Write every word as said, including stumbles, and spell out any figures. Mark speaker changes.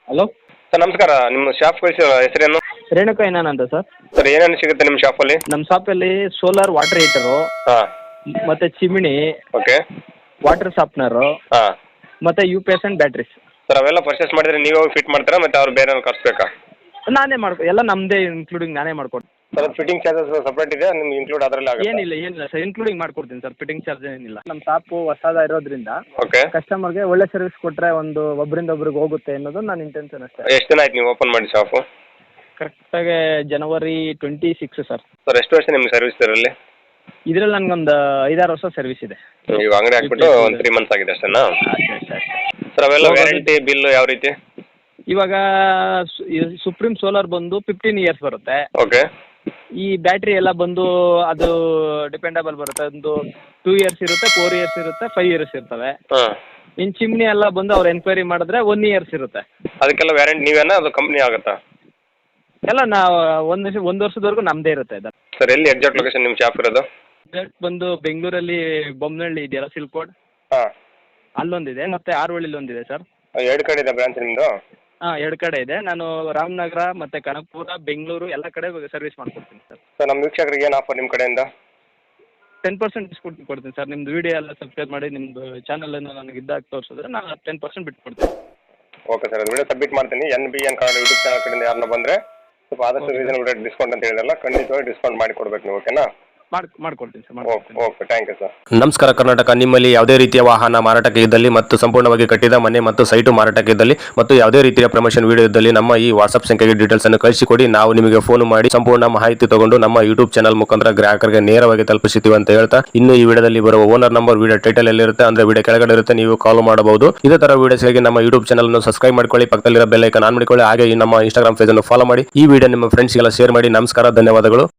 Speaker 1: Hello
Speaker 2: sir ನಮಸ್ಕಾರ. ನಿಮ್ಮ shop ಕಳಿಸಿದ ಹೆಸರೇನು?
Speaker 1: ರೇಣುಕಾ ಏನಾನ್ ಅಂತ ಸರ್.
Speaker 2: ಸರ್ ಏನೇನು ಸಿಗುತ್ತೆ ನಿಮ್ಮ ಶಾಪಲ್ಲಿ?
Speaker 1: ನಮ್ಮ ಶಾಪಲ್ಲಿ ಸೋಲಾರ್ ವಾಟರ್ ಹೀಟರು,
Speaker 2: ಹಾಂ,
Speaker 1: ಮತ್ತು ಚಿಮಿಣಿ,
Speaker 2: ಓಕೆ,
Speaker 1: ವಾಟರ್ ಶಾರ್ಪ್ನರು,
Speaker 2: ಹಾಂ.
Speaker 1: ಮತ್ತು U P S and batteries.
Speaker 2: Sir ಅವೆಲ್ಲ ಪರ್ಚೇಸ್ ಮಾಡಿದ್ರೆ ನೀವೇ ಹೋಗಿ ಫಿಟ್ ಮಾಡ್ತೀರಾ ಮತ್ತು ಅವ್ರು ಬೇರೆ ಕಳಿಸ್ಬೇಕಾ?
Speaker 1: ನಾನೇ ಮಾಡ್ಕೊ ಎಲ್ಲ ನಮ್ಮದೇ ಇನ್ಕ್ಲೂಡಿಂಗ್ ನಾನೇ ಮಾಡ್ಕೊಡ್ತೀನಿ.
Speaker 2: ಸರ್ ಅದು ಫಿಟ್ಟಿಂಗ್ ಚಾರ್ಜಸ್ ಸಪ್ರೇಟ್ ಇದೆ, ನಿಮ್ಗೆ ಇನ್ಕ್ಲೂಡ್ ಅದರಲ್ಲಿ ಆಗುತ್ತೆ?
Speaker 1: ಏನಿಲ್ಲ ಏನಿಲ್ಲ ಸರ್, ಇನ್ಕ್ಲೂಡಿಂಗ್ ಮಾಡ್ಕೊಡ್ತೀನಿ ಸರ್, ಫಿಟ್ಟಿಂಗ್ ಚಾರ್ಜ್ ಏನಿಲ್ಲ. ನಮ್ಮ ಶಾಪು ಹೊಸದ ಇರೋದ್ರಿಂದ
Speaker 2: ಓಕೆ.
Speaker 1: ಕಸ್ಟಮರ್ಗೆ ಒಳ್ಳೆ ಸರ್ವಿಸ್ ಕೊಟ್ಟರೆ ಒಂದು ಒಬ್ಬರಿಂದ ಒಬ್ರಿಗೆ ಹೋಗುತ್ತೆ ಅನ್ನೋದು ನನ್ನ ಇಂಟೆನ್ಷನ್ ಅಷ್ಟೇ.
Speaker 2: ಎಷ್ಟು ದಿನ ಆಯ್ತು ನೀವು ಓಪನ್ ಮಾಡಿ ಶಾಪು?
Speaker 1: ಕರೆಕ್ಟಾಗಿ January twenty six sir.
Speaker 2: Sir ಎಷ್ಟು ವರ್ಷ ನಿಮ್ಗೆ ಸರ್ವಿಸ್ ಇದರಲ್ಲಿ?
Speaker 1: ಇದರಲ್ಲಿ ನನಗೊಂದು ಐದಾರು ವರ್ಷ ಸರ್ವಿಸ್ ಇದೆ.
Speaker 2: ನೀವು ಅಂಗಡಿ ಹಾಕ್ಬಿಟ್ಟು ಒಂದು ತ್ರೀ ಮಂತ್ಸ್ ಆಗಿದೆ ಅಷ್ಟೇನಾ?
Speaker 1: ಅಷ್ಟೇ ಅಷ್ಟೇ ಅಷ್ಟೇ.
Speaker 2: ಸರ್ ಅವೆಲ್ಲ ವ್ಯಾರಂಟಿ ಬಿಲ್ ಯಾವ ರೀತಿ?
Speaker 1: ಇವಾಗ ಸುಪ್ರೀಂ ಸೋಲಾರ್ ಬಂದು ಫಿಫ್ಟೀನ್ ಇಯರ್ಸ್ ಬರುತ್ತೆ.
Speaker 2: ಓಕೆ.
Speaker 1: ಈ ಬ್ಯಾಟ್ರಿ ಎಲ್ಲ ಬಂದು ಅದು ಡಿಪೆಂಡಬಲ್ ಬರುತ್ತೆ. ಒಂದು ಟೂ ಇಯರ್ಸ್ ಇರುತ್ತೆ, ಫೋರ್ ಇಯರ್ಸ್ ಇರುತ್ತೆ, ಫೈವ್ ಇಯರ್ಸ್ ಇರ್ತವೆ.
Speaker 2: ಹಾಂ.
Speaker 1: ಇನ್ನು ಚಿಮ್ನಿ ಎಲ್ಲ ಬಂದು ಅವ್ರು ಎನ್ಕ್ವೈರಿ ಮಾಡಿದ್ರೆ ಒನ್ ಇಯರ್ಸ್ ಇರುತ್ತೆ.
Speaker 2: ಅದಕ್ಕೆಲ್ಲ ವ್ಯಾರಂಟಿ ನೀವೇನಾ ಅದು ಕಂಪ್ನಿ ಆಗುತ್ತಾ?
Speaker 1: ಎಲ್ಲ ನಾವು ಒಂದು ವರ್ಷ ಒಂದು ವರ್ಷದವರೆಗೂ ನಮ್ಮದೇ ಇರುತ್ತೆ ಇದು.
Speaker 2: ಸರ್ ಎಲ್ಲಿ ಎಕ್ಸಾಕ್ಟ್ ಲೊಕೇಶನ್ ನಿಮ್ಮ ಶಾಪ್ ಇರೋದು?
Speaker 1: ಎಕ್ಸಾಕ್ಟ್ ಬಂದು ಬೆಂಗಳೂರಲ್ಲಿ ಬೊಮ್ಮನಹಳ್ಳಿ ಇದೆಯಲ್ಲ ಸಿಲ್ಕೋಡ್,
Speaker 2: ಹಾಂ,
Speaker 1: ಅಲ್ಲೊಂದಿದೆ, ಮತ್ತು ಆರೋಳಿಲಿ ಒಂದಿದೆ ಸರ್.
Speaker 2: ಎರಡು ಕಡೆ ಇದೆ ಬ್ರಾಂಚ್ ನಿಮ್ಮದು?
Speaker 1: ಹಾಂ, ಎರಡು ಕಡೆ ಇದೆ. ನಾನು ರಾಮನಗರ ಮತ್ತು ಕನಕಪುರ, ಬೆಂಗಳೂರು ಎಲ್ಲ ಕಡೆ ಸರ್ವಿಸ್ ಮಾಡ್ಕೊಡ್ತೀನಿ ಸರ್.
Speaker 2: ಸರ್ ನಮ್ಮ ವೀಕ್ಷಕರಿಗೆ ಏನು ಆಫರ್ ನಿಮ್ಮ ಕಡೆಯಿಂದ?
Speaker 1: ಟೆನ್ ಪರ್ಸೆಂಟ್ ಡಿಸ್ಕೌಂಟ್ ಕೊಡ್ತೀನಿ ಸರ್. ನಿಮ್ಮದು ವೀಡಿಯೋ ಎಲ್ಲ ಸಬ್ಸ್ಕ್ರೈಬ್ ಮಾಡಿ ನಿಮ್ಮದು ಚಾನಲನ್ನು ನನಗೆ ಇದ್ದಾಗ ತೋರಿಸಿದ್ರೆ ನಾನು ಟೆನ್ ಪರ್ಸೆಂಟ್ ಬಿಟ್ಟು ಕೊಡ್ತೀನಿ.
Speaker 2: ಓಕೆ ಸರ್, ಅದು ವಿಡಿಯೋ ಸಬ್ಮಿಟ್ ಮಾಡ್ತೀನಿ. N B N Kannada YouTube channel ಕಡೆಯಿಂದ ಯಾರನ್ನ ಬಂದರೆ ಸ್ವಲ್ಪ ಆದಷ್ಟು ರೀಸನಬಲ್ ರೇಟ್ ಡಿಸ್ಕೌಂಟ್ ಅಂತ ಹೇಳಿದ್ರಲ್ಲ, ಖಂಡಿತವಾಗಿ ಡಿಸ್ಕೌಂಟ್ ಮಾಡಿ ಕೊಡ್ಬೇಕು ನೀವು, ಓಕೆನಾ?
Speaker 1: ಮಾಡಿ ಮಾಡ್ಕೊಡ್ತೀನಿ ಸರ್,
Speaker 2: ಓಕೆ
Speaker 1: ಮಾಡ್ಕೊಡ್ತೀನಿ.
Speaker 2: Okay, thank you sir.
Speaker 3: ನಮಸ್ಕಾರ ಕರ್ನಾಟಕ. ನಿಮ್ಮಲ್ಲಿ ಯಾವುದೇ ರೀತಿಯ ವಾಹನ ಮಾರಾಟಕ್ಕೆ ಇದ್ದಲ್ಲಿ ಮತ್ತು ಸಂಪೂರ್ಣವಾಗಿ ಕಟ್ಟಿದ ಮನೆ ಮತ್ತು ಸೈಟು ಮಾರಾಟಕ್ಕೆ ಇದ್ದಲ್ಲಿ ಮತ್ತು ಯಾವುದೇ ರೀತಿಯ ಪ್ರಮೋಷನ್ ವಿಡಿಯೋ ಇದ್ದಲ್ಲಿ ನಮ್ಮ ಈ ವಾಟ್ಸ್ಆಪ್ ಸಂಖ್ಯೆಗೆ ಡೀಟೇಲ್ಸ್ ಅನ್ನು ಕಳಿಸಿಕೊಡಿ. ನಾವು ನಿಮಗೆ ಫೋನ್ ಮಾಡಿ ಸಂಪೂರ್ಣ ಮಾಹಿತಿ ತಗೊಂಡು ನಮ್ಮ ಯೂಟ್ಯೂಬ್ ಚಾನಲ್ ಮುಖಾಂತರ ಗ್ರಾಹಕರಿಗೆ ನೇರವಾಗಿ ತಲುಪಿಸುತ್ತೀವಿ ಅಂತ ಹೇಳ್ತಾ, ಇನ್ನು ಈ ವಿಡಿಯೋದಲ್ಲಿ ಬರುವ ಓನರ್ ನಂಬರ್ ವಿಡಿಯೋ ಟೈಟಲ್ ಎಲ್ಲಿರುತ್ತೆ ಅಂದ್ರೆ ವಿಡಿಯೋ ಕೆಳಗಡೆ ಇರುತ್ತೆ, ನೀವು ಕಾಲ್ ಮಾಡಬಹುದು. ಇದೇ ತರ ವಿಡಿಯೋಸ್ಗಾಗಿ ನಮ್ಮ ಯೂಟ್ಯೂಬ್ ಚಾನಲ್ ಅನ್ನು ಸಬ್ಸ್ಕ್ರೈಬ್ ಮಾಡ್ಕೊಳ್ಳಿ, ಪಕ್ಕದಲ್ಲಿರೋ ಬೆಲ್ ಐಕಾನ್ ಆನ್ ಮಾಡಿಕೊಳ್ಳಿ, ಹಾಗೆ ಈ ನಮ್ಮ ಇನ್ಸ್ಟಾಗ್ರಾಮ್ ಪೇಜ್ ಅನ್ನು ಫಾಲೋ ಮಾಡಿ. ಈ ವಿಡಿಯೋ ನಿಮ್ಮ ಫ್ರೆಂಡ್ಸ್ಗೆಲ್ಲ ಶೇರ್ ಮಾಡಿ. ನಮಸ್ಕಾರ, ಧನ್ಯವಾದಗಳು.